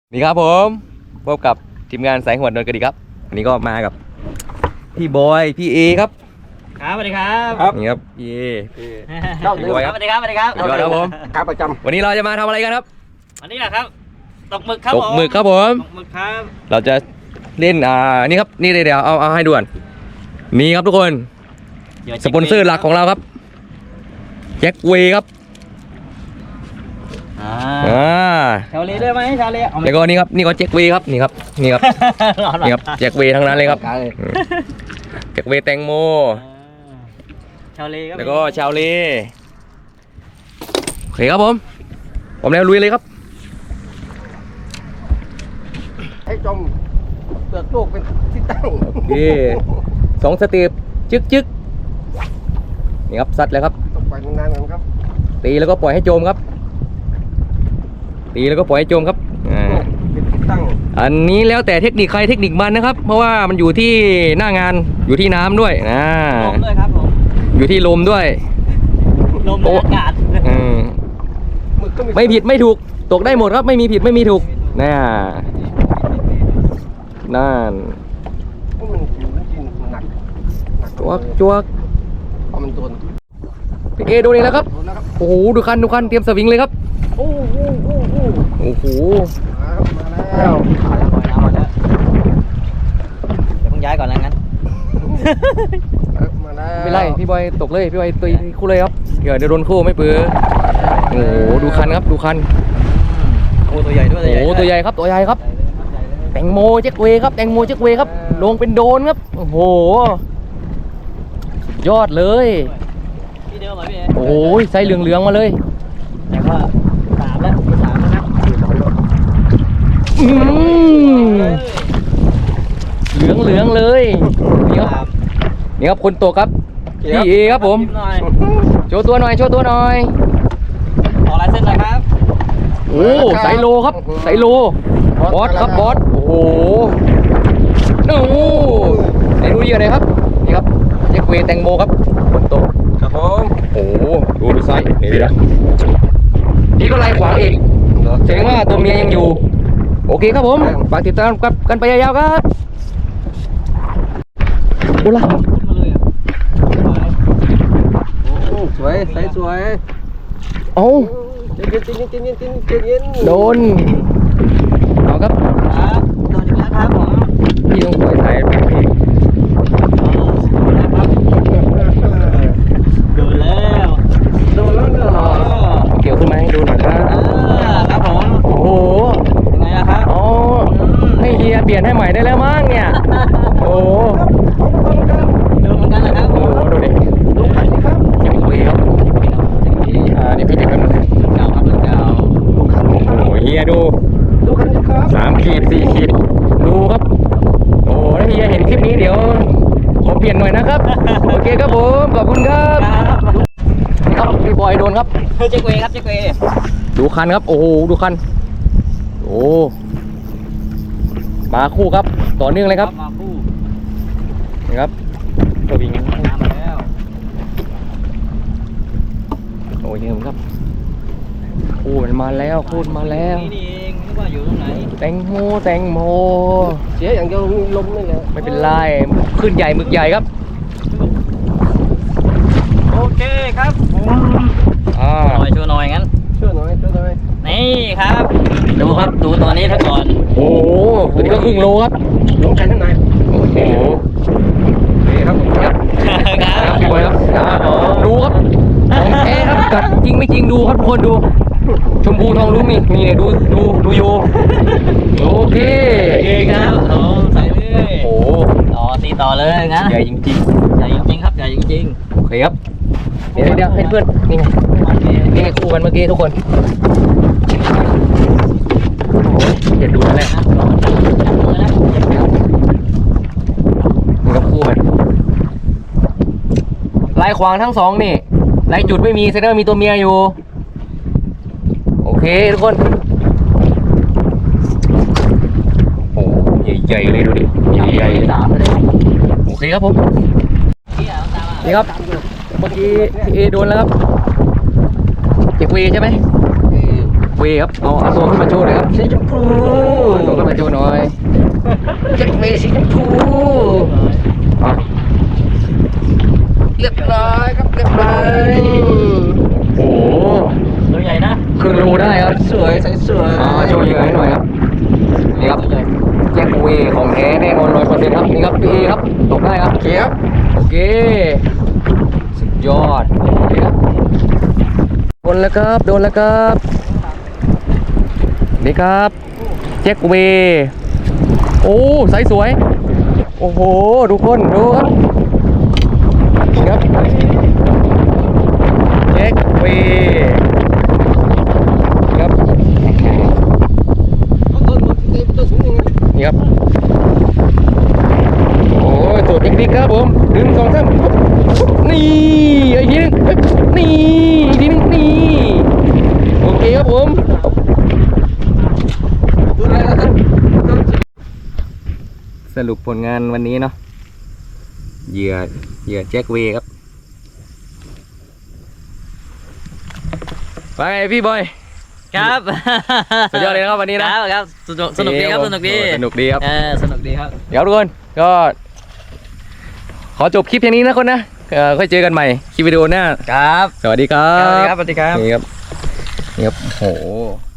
นี่ครับผมพบกับทีมงานสายหัวดนกระดิครับวันนี้ก็มากับพี่บอยพี่เอครับครับสวัสดีครับนี่ครับพี่เอพี่บอยครับสวัสดีครับสวัสดีครับพี่บอยครับผมครับประจำวันนี้เราจะมาทำอะไรกันครับวันนี้แหละครับตกหมึกครับตกหมึกครับผมตกหมึกครับเราจะเล่นนี่ครับนี่เดี๋ยวเอาให้ด่วนนี่ครับทุกคนสปอนเซอร์หลักของเราครับแจ็คเวย์ครับชาวเลด้วยไหมชาวเลเอาไหมแล้วก็นี่ครับนี่ก็แจ็คเวย์ครับนี่ครับนี่ครับนี่ครับแจ็คเวย์ทั้งนั้นเลยครับแจ็คเวย์แตงโมชาวเลก็แล้วก็ชาวเลโอเคครับผมแล้วลุยเลยครับให้จมเปลือกโลกเป็นที่ตั้งโอเค2 สเต็ปจึ๊กนี่ครับซัดเลยครับตกไปนานๆกันครับตีแล้วก็ปล่อยให้โจมครับตีแล้วก็ปล่อยให้โจมครับเป็นที่ตั้งอันนี้แล้วแต่เทคนิคใครเทคนิคมันนะครับ เพราะว่ามันอยู่ที่หน้างานอยู่ที่น้ำด้วยนะลมด้วยครับผมอยู่ที่ลมด้วยลมในอากาศหมึกก็ไม่ผิดไม่ถูกตกได้หมดครับไม่มีผิดไม่มีถูกนั่นมันกินหนักจวกเพราะมันโดนพี่เอดูนี่แล้วครับโอ้โหดูคันเตรียมสวิงเลยครับโอ้โหมาแล้วมาแล้วมาแล้วเดี๋ยวเพิ่งย้ายก่อนแล้วงั้นมาแล้วไม่ไรพี่บอยตกเลยพี่บอยตีคู่เลยครับเดี๋ยวโดนคู่ไม่เปื้อโอ้โหดูคันครับดูคันโอ้ตัวใหญ่ด้วยโอ้โหตัวใหญ่ครับตัวใหญ่ครับแตงโมแจ็คเวย์ครับแตงโมแจ็คเวย์ครับลงเป็นโดนครับโอ้โหยอดเลยที่เดิมเหรอพี่เอโอ้ยไซส์เหลืองๆมาเลยแต่ก็3แล้วมี3แล้วนะเหลืองเลยนี่ครับนี่ครับคนตกครับพี่เอครับผมโชว์ตัวหน่อยขอลายเส้นหน่อยครับโอ้ไซโลครับไซโลบอสครับบอสโอ้โหไหนดูดีกันเลยครับนี่ครับแจ็คเวย์แตงโมครับคนโตครับผมโอ้โหดูไซส์นี่นะนี่ก็ไล่ขวางอีกแสดงว่าตัวเมียยังอยู่โอเคครับผมฝากติดตามกันไปยาวๆครับโอ้ล่ะมาเลยอ่ะสวยใสสวยโอ้เย็นโดนเอาครับครับโดนอีกแล้วครับผมพี่ต้องปล่อยสายแบบนี้โดนแล้วโดนแล้วเนอะเกี่ยวขึ้นมาให้ดูหน่อยครับครับผมโอ้โหยังไงล่ะครับอ๋อให้เฮียเปลี่ยนให้ใหม่ได้แล้วมั้งเนี่ยโอ้โหโดนเหมือนกันนะครับโอ้โหดูดิดูขันนี่ครับยังคุยครับนี่พี่เด็กกันเก่าครับเก่าดูขันนี่ครับโอ้โหเฮียดูดูขันนี่ครับ 3 ขีด 4 ขีดดูครับโอ้โหถ้าเฮียเห็นคลิปนี้เดี๋ยวขอเปลี่ยนหน่อยนะครับโอเคครับผมขอบคุณครับครับพี่บอยโดนครับเจ๊กเวครับเจ๊กเวดูคันครับโอ้โหดูคันโอ้มาคู่ครับต่อเนื่องเลยครับมาคู่นี่ครับสวิงน้ำมาแล้วโอ้ยเห็นครับคู่มันมาแล้วคู่มันมาแล้วนี่เองนึกว่าอยู่ตรงไหนแตงโมเสียอย่างเดียวมีลมนี่แหละไม่เป็นไรขึ้นใหญ่หมึกใหญ่ครับโอเคครับช่วยหน่อยงั้นช่วยหน่อยนี่ครับดูครับดูตัวนี้ซะก่อนโอ้โหตัวนี้ก็ครึ่งโลครับลงแขนข้างในโอ้โหนี่ครับครับครับพี่บอยครับดูครับของแท้ครับกัดจริงไม่จริงดูครับทุกคนดูชมพูทองลุ้งนี่ดูโยโอเคโอเคครับใส่เลยโอ้โหต่อตีต่อเลยงั้นใหญ่จริงใหญ่จริงๆครับใหญ่จริงๆโอเคครับเดี๋ยวให้เพื่อนนี่ไงๆนี่ไงคู่กันเมื่อกี้ทุกคนโอ้โหอย่าดูนั่นแหละนี่ก็คู่กันลายขวางทั้งสองนี่ลายจุดไม่มีแสดงว่ามีตัวเมียอยู่โอเคทุกคนโอ้ใหญ่ๆเลยดูดิใหญ่ๆโอเคครับผมนี่ครับเมื่อกี้พี่เอโดนแล้วครับเจ็กวีใช่ไหมเวครับเอาตัวขึ้นมาโชว์หน่อยครับสีชมพูเอาตัวขึ้นมาโชว์หน่อยแจ็คเวย์สีชมพูอ่ะเรียบร้อยครับเรียบร้อยโอ้โหตัวใหญ่นะครึ่งโลได้ครับสวยใสสวยโชว์เหยื่อให้หน่อยครับนี่ครับแจ็คเวย์ของแท้แน่นอน100%ครับนี่ครับพี่เอครับตกได้ครับเขียวโอเคสุดยอดโอเคครับโดนแล้วครับโดนแล้วครับนี่ครับแจ็คเวย์โอ้ไซส์สวยโอ้โหทุกคนดูครับนี่ครับแจ็คเวย์ครับเอาตัวสูงยังไงนี่ครับโอ้ยตัวเด็กๆครับผมดึงสองสามนี่อีกทีนึงนี่อีกทีนึงนี่โอเคครับผมตัวอะไรนะท่านสรุปผลงานวันนี้เนาะเหยื่อแจ็คเวย์ครับไปพี่บอยครับสุดยอดเลยนะครับวันนี้นะครับสนุกดีครับสนุกดีสนุกดีครับสนุกดีครับเดี๋ยวทุกคนก็ขอจบคลิปแค่นี้นะคนนะค่อยเจอกันใหม่คลิปวิดีโอหน้าครับสวัสดีครัสวัสดีบครับสวัสดีครับนี่ครับโอ้โห